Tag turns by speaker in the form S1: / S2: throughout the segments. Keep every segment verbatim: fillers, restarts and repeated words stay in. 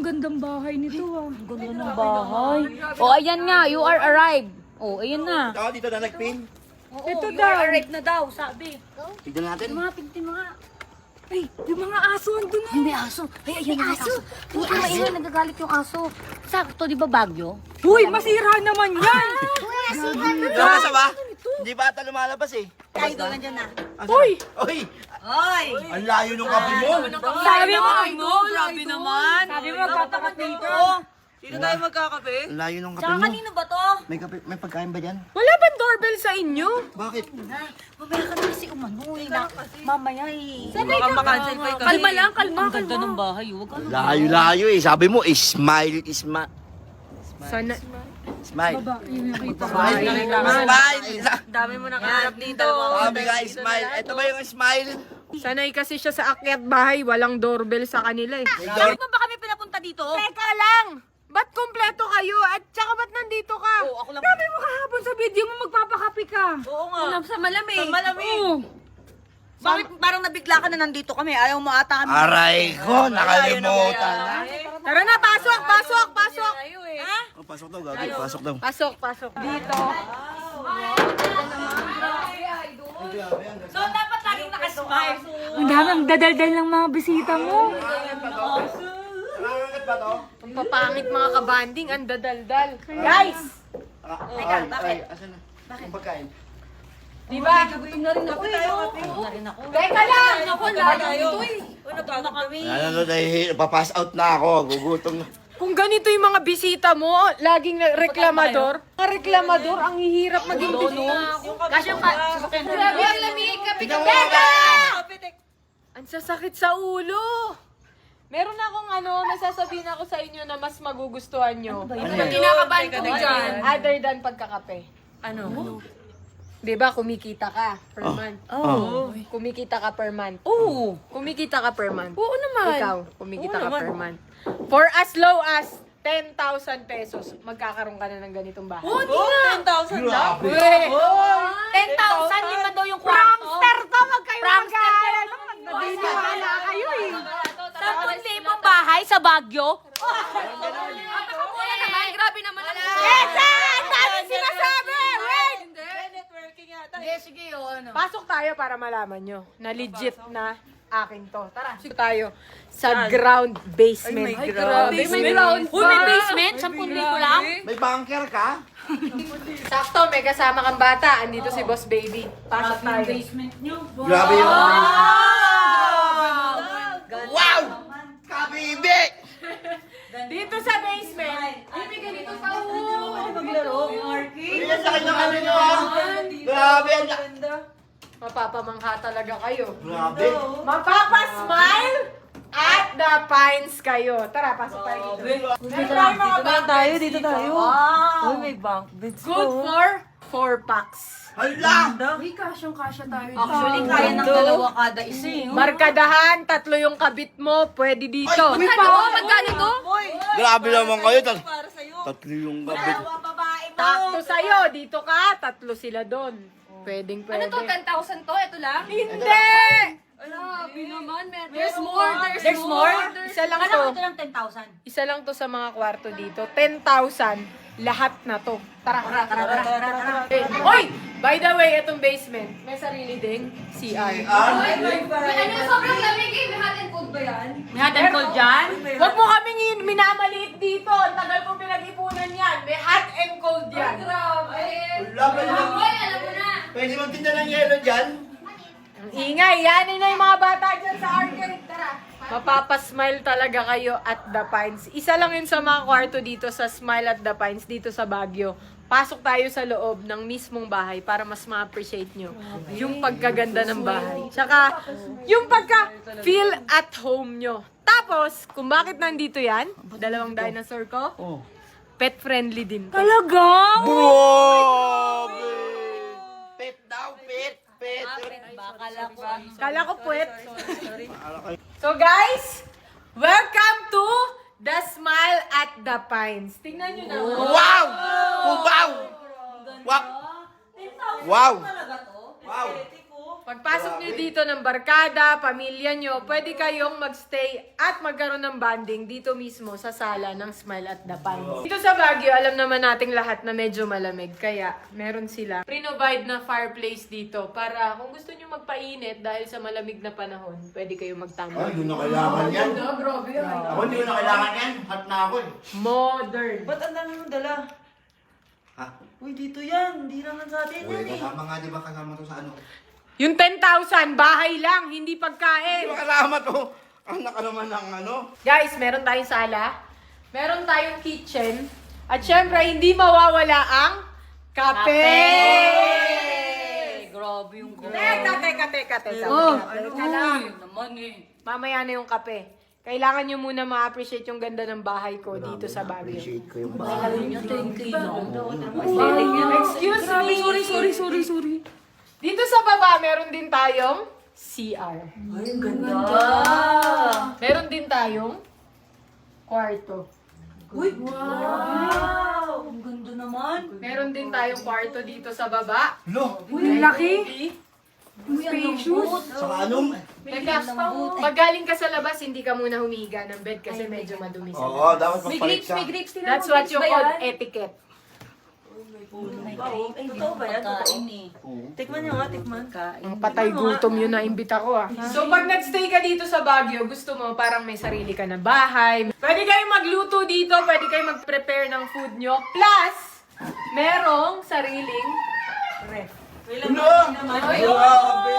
S1: gandang bahay nito ah.
S2: Ang ganda ng bahay. Oh, ayan nga, you are arrived. Oh, ayan na.
S3: Ito, dito na nagpin.
S2: Oo,
S1: Ito
S2: you
S1: daw.
S2: are arrived na daw, sabi.
S3: Tignan natin.
S2: Yung mga pinti mga...
S1: Ay, yung mga aso andun na.
S2: Ay, may aso. Ay, ayan may aso. Huwag ka maingay, nagagalit yung aso. Sakto, di ba Bagyo?
S1: Uy, masira naman yan.
S3: Lumasa ba? Hindi ba ata lumalabas eh?
S2: Ay, doon nandiyan na.
S1: Uy,
S3: Uy!
S2: Ay!
S3: Ang layo ng kape mo!
S1: sabi mo.
S2: no, grabe naman.
S1: Sabi mo, magkatapat dito.
S4: Dito tayo magkakape.
S3: Ang layo ng kape
S2: Tsaka
S3: mo.
S2: kanino ba to?
S3: May, kape, may pagkain ba dyan?
S1: Wala bang doorbell sa inyo?
S3: Bakit?
S2: Ay, mamaya ka na kasi umano eh. na- Mamaya eh.
S4: Baka makancel pa yung kasi.
S1: Kalma lang, kalma,
S2: Ang ganda
S1: kalma.
S2: ng bahay. Huwag ka
S3: Layo-layo eh. Sabi mo, smile, isma...
S1: Sana,
S3: Smile.
S1: baba, yung nakita.
S3: Smile. Smile.
S4: Dami mo nakaharap dito.
S3: Sabi nga, smile. Ito ba yung smile?
S1: Sanay kasi siya sa akyat bahay, walang doorbell sa kanila eh.
S2: Bakit mo ba kami pinapunta dito?
S1: Teka lang! Ba't kompleto kayo? At saka ba't nandito ka?
S2: Oo, ako lang.
S1: Sabi mo kahapon sa video mo magpapakapi ka.
S4: Oo nga.
S2: Sa malamig.
S4: Sa malamig.
S1: Oo.
S2: Bakit parang nabigla ka na nandito kami? Ayaw mo ata kami.
S3: Aray ko, nakalimutan na.
S1: Tara na, pasok, pasok, pasok.
S2: Ha?
S3: Oh, pasok daw, gabi. Pasok daw.
S1: Pasok, pasok. Dito.
S2: So, dapat laging nakasmile.
S1: Ang daming dadaldal ng mga bisita mo.
S3: Nangangat ba to?
S1: Ang papangit mga kabanding, ang dadaldal. Guys!
S3: Teka, bakit? Asan na? Bakit? Pagkain.
S1: Di ba?
S2: Gutom na rin ako eh. Gutom na rin ako.
S1: Teka lang!
S2: Ako, lalo ito eh. Ano na kami?
S3: Ano na dahil, papass out na ako. Gugutom na.
S1: Kung ganito yung mga bisita mo, laging na- reklamador. Mga reklamador, ang hihirap maging bisita.
S2: Kasi yung pa- sasakyan na rin.
S1: Grabe ang lamig, kapi
S3: Tingnan mo
S1: Teka!
S4: Kape,
S1: Ang sasakit sa ulo. Meron akong ano, nasasabihin ako sa inyo na mas magugustuhan nyo. Ano
S3: yan?
S1: kinakabahan ko
S4: Teka,
S1: dyan?
S4: teka.
S1: Other than pagkakape.
S4: Ano?
S1: Di ba kumikita ka per month?
S3: Oh.
S1: Kumikita ka per month.
S2: Oo.
S1: Kumikita ka per month.
S2: Oo naman.
S1: Ikaw, kumikita
S2: Oo
S1: ka
S2: naman.
S1: per month. For as low as ten thousand pesos, magkakaroon ka na ng ganitong bahay.
S2: Oo, di
S4: Oh,
S2: nga.
S4: ten thousand lang.
S3: Grabe.
S1: Weh!
S2: ten thousand, lima daw yung kwarto.
S1: Prankster to! Wag kayo
S2: Prankster to.
S1: mag-aalala. Nagdiniwala kayo eh.
S2: Sampung libong bahay sa Baguio.
S1: Grabe naman ang Esa! Ang dami sinasabi! Wait!
S4: Networking yata.
S2: Hindi, sige yun. Ano?
S1: Pasok tayo para malaman nyo na legit na akin to. Tara, pasok tayo sa ground basement.
S4: Ay, may ground.
S1: May
S4: Basement.
S1: ground
S2: Uy, may
S1: pa.
S2: basement? Sampung libo lang?
S3: May bunker ka?
S1: Sakto, may kasama kang bata. Andito si Boss Baby. Pasok tayo.
S2: Basement nyo.
S3: Grabe yung... Wow! Kabibi!
S1: Dito sa basement. Ay, may ganito sa ulo.
S2: Maglaro.
S3: Ay, ang laki ng ano nyo ah! Grabe, ang laki!
S1: Mapapamangha talaga kayo.
S3: Grabe!
S1: Mapapasmile at the pines kayo. Tara, pasok tayo dito.
S4: Dito lang, dito lang tayo, dito tayo.
S2: Wow.
S4: Uy, may bank beds
S1: Good
S4: po.
S1: for four packs.
S3: Hala!
S1: Uy, kasyang-kasya tayo.
S2: Actually, kaya ng dalawa kada isa eh.
S1: Markadahan, tatlo yung kabit mo, pwede dito.
S3: Ay,
S1: Uy,
S3: uy,
S1: pa,
S2: oh,
S1: magkano to?
S4: Uy,
S3: Grabe naman kayo. Tat
S4: para sa'yo.
S3: tatlo yung gabit.
S2: babae
S1: Takto sa'yo, dito ka, tatlo sila doon. Pwedeng pwede.
S2: Ano to, ten thousand to? Ito lang?
S1: Hindi!
S2: Grabe naman, man.
S1: There's more, there's, more. Isa lang
S2: Kala
S1: to.
S2: ko ito lang ten thousand.
S1: Isa lang to sa mga kwarto dito. ten thousand, lahat na to. Tara, tara, tara, tara, tara, tara. Oy! By the way, itong basement, may sarili ding C R.
S2: Ano, sobrang lamig eh. May hot and cold ba yan? May hot and cold dyan?
S1: Huwag mo kaming in- minamaliit dito. Ang tagal kong pinag-ipunan yan. May hot and cold yan.
S2: Grabe.
S3: Wala ba yun?
S2: Hoy, alam mo na.
S3: Pwede magtinda ng yelo dyan?
S1: Ang ingay, yanin na yung mga bata dyan sa arcade. Tara. Mapapasmile talaga kayo at The Pines. Isa lang yun sa mga kwarto dito sa Smile at The Pines dito sa Baguio. Pasok tayo sa loob ng mismong bahay para mas ma-appreciate nyo yung pagkaganda ng bahay. Tsaka yung pagka-feel at home nyo. Tapos, kung bakit nandito yan, dalawang dinosaur ko,
S3: Oh.
S1: pet friendly din. to.
S2: Talaga?
S3: Grabe! Pet daw, pet, pet.
S2: Bakala ko.
S1: Kala ko puwet. So guys, welcome to The Smile at the Pines. Tingnan nyo na.
S3: Wow! Wow! Wow! Wow!
S4: Talaga to?
S3: Wow!
S4: Aesthetic ko.
S1: Pagpasok nyo dito ng barkada, pamilya nyo, pwede kayong magstay at magkaroon ng bonding dito mismo sa sala ng Smile at the Pines. Dito sa Baguio, alam naman nating lahat na medyo malamig. Kaya meron sila pre-provide na fireplace dito para kung gusto nyo magpainit dahil sa malamig na panahon, pwede kayong magtambay.
S3: Ay, yun na kailangan yan.
S1: No, grabe yan.
S3: Ako hindi ko na kailangan yan. Hot na ako eh.
S1: Modern.
S4: Ba't ang dami mong dala?
S3: Ha?
S4: Uy, dito yan. Hindi naman sa atin
S3: Uy,
S4: yan eh.
S3: kasama nga di ba kasama to sa ano?
S1: Yung ten thousand, bahay lang, hindi
S3: Di
S1: pagkain.
S3: ba kasama to? Anak ka naman ng ano?
S1: Guys, meron tayong sala, meron tayong kitchen, at syempre, hindi mawawala ang kape!
S2: Grabe yung grabe.
S1: Teka, teka, teka, teka.
S2: Oh,
S1: Teka lang.
S2: naman eh.
S1: Mamaya na yung kape. Kailangan nyo muna ma-appreciate yung ganda ng bahay ko dito sa Baguio.
S3: Appreciate ko yung
S2: Thank you.
S1: Excuse me.
S2: Sorry, sorry, sorry, sorry.
S1: Dito sa baba, meron din tayong C R.
S2: Ay, ang ganda.
S1: Meron din tayong kwarto.
S4: Uy, wow! Ang ganda naman.
S1: Meron din tayong kwarto dito sa baba.
S3: Lo!
S1: Uy, laki.
S2: Spacious.
S3: Sa anong?
S1: Teka, pag galing ka sa labas, hindi ka muna humiga ng bed kasi medyo madumi sa
S3: Oo,
S1: labas.
S3: dapat
S2: May
S3: magpalit
S2: grapes,
S3: ka.
S2: may grapes. Tingnan
S1: That's
S2: mo,
S1: what
S2: grapes
S1: you
S2: ba
S1: call
S2: yan?
S1: etiquette.
S4: Ay, totoo ba yan? Totoo? Tikman nyo nga, tikman.
S1: Ang patay gutom yun na imbita ko ah. So pag nagstay ka dito sa Baguio, gusto mo parang may sarili ka na bahay. Pwede kayong magluto dito, pwede kayong mag-prepare ng food nyo. Plus, merong sariling ref.
S3: Lo! Grabe!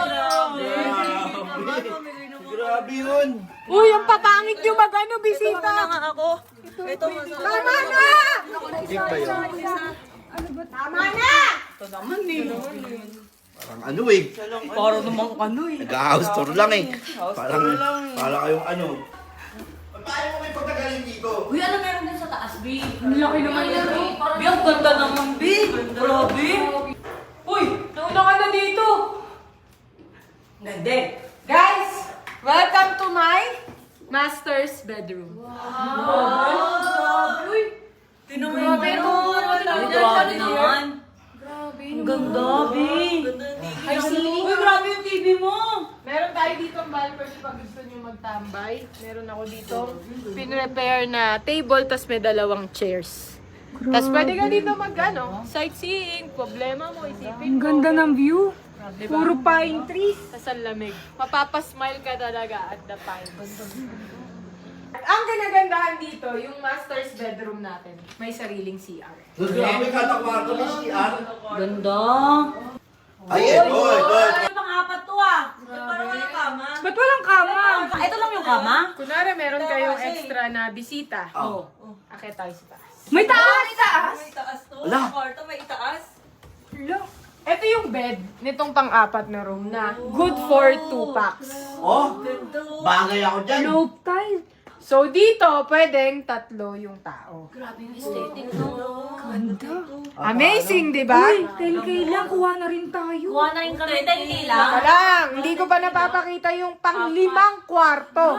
S3: Grabe yun!
S1: Uy, ang papangit nyo mag-ano,
S4: Ito
S1: bisita!
S4: na nga ako. Ito masarap.
S1: Tama na!
S3: Tik ba yun?
S1: Tama na!
S4: Ito naman eh.
S3: Parang ano eh.
S4: Para namang ano eh.
S3: Nag-house tour lang eh.
S4: House
S3: Parang,
S4: tour lang eh.
S3: parang kayong ano. Paano mo may pagkagaling dito?
S2: Uy, ano meron din sa taas, B?
S1: Ang laki naman yan, eh.
S4: Bi, ang ganda naman, Bi. Grabe.
S1: Uy, nauna ka na dito!
S4: Ganda.
S1: Guys, welcome to my master's bedroom.
S4: Wow. Uy. Tinan mo yung
S1: Grabe,
S4: ano.
S1: no.
S4: Grabe
S1: Grabe
S4: naman.
S1: Grabe.
S4: Ang ganda, Bi.
S1: Ay, ceiling.
S4: Uy, grabe yung T V mo.
S1: Meron tayo dito ang balcony pag gusto nyo magtambay. Meron ako dito pinrepare na table, tas may dalawang chairs. Tas pwede ka dito mag ano, sightseeing, problema mo, isipin mo.
S2: Ang ganda ng view.
S1: Diba?
S2: Puro pine trees.
S1: Tas ang lamig. Mapapasmile ka talaga at the pines. At ang ganagandahan dito, yung master's bedroom natin, may sariling C R.
S3: Grabe kada kwarto may C R.
S4: Ganda.
S3: Ay, ito, ito.
S4: Ano pang-apat to ah? Parang walang kama.
S2: Ba't walang kama?
S4: Ito lang yung kama?
S1: Kunwari, meron kayong extra na bisita.
S3: Oh.
S1: Akit tayo sa taas.
S2: May taas! May taas!
S4: May itaas to.
S3: Wala.
S4: Sa kwarto may itaas.
S1: Ito yung bed nitong pang-apat na room na good for two packs.
S3: Oh, bagay ako dyan.
S2: Slope tile.
S1: So dito, pwedeng tatlo yung tao.
S2: Grabe yung aesthetic, no? Ganda.
S1: Amazing, di ba?
S2: Uy, ten K lang. Kuha na rin tayo.
S4: Kuha na rin kami ten K lang.
S1: Baka lang, hindi ko pa napapakita yung pang-limang kwarto.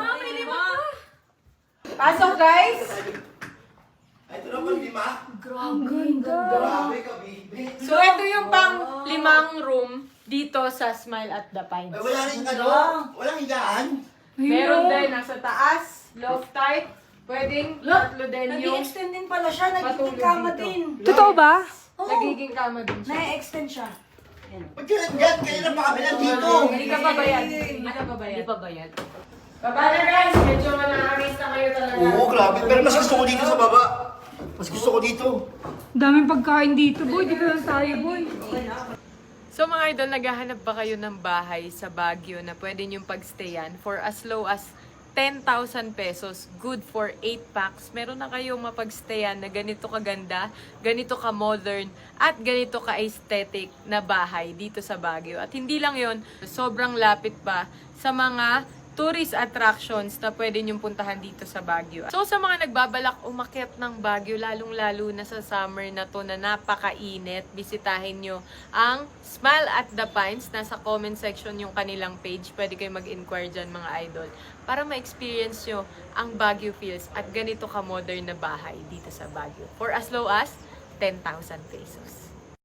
S1: Pasok, guys!
S3: Ito naman, lima.
S2: Ang ganda.
S3: Grabe ka, baby.
S1: So ito yung pang-limang room dito sa Smile at the Pines.
S3: Ay, wala rin ano, walang higaan.
S1: Meron din nasa taas, loft type. Pwedeng tatlo din yung
S4: Nag-i-extend din pala siya.
S1: matulog
S4: Nagiging kama
S1: dito.
S4: din.
S2: Totoo ba?
S1: Nagiging kama din siya.
S4: Na-extend siya.
S3: Ba't yun yan? Kanina pa kami nandito.
S1: Hindi ka pa bayad. Hindi ka pa bayad. Hindi pa bayad. Baba na guys, medyo manakamis na kayo talaga.
S3: Oo, grabe. Pero mas gusto ko dito sa baba. Mas gusto ko dito.
S2: Daming pagkain dito, boy. Dito lang tayo, boy.
S1: So mga idol, naghahanap ba kayo ng bahay sa Baguio na pwede niyong pagstayan for as low as ten thousand pesos, good for eight packs? Meron na kayong mapagstayan na ganito kaganda, ganito ka-modern, at ganito ka-aesthetic na bahay dito sa Baguio. At hindi lang yon, sobrang lapit pa sa mga tourist attractions na pwede niyong puntahan dito sa Baguio. So sa mga nagbabalak umakyat ng Baguio, lalong-lalo na sa summer na to na napakainit, bisitahin nyo ang Smile at the Pines. Nasa comment section yung kanilang page. Pwede kayo mag-inquire dyan mga idol para ma-experience nyo ang Baguio feels at ganito ka-modern na bahay dito sa Baguio for as low as ten thousand pesos.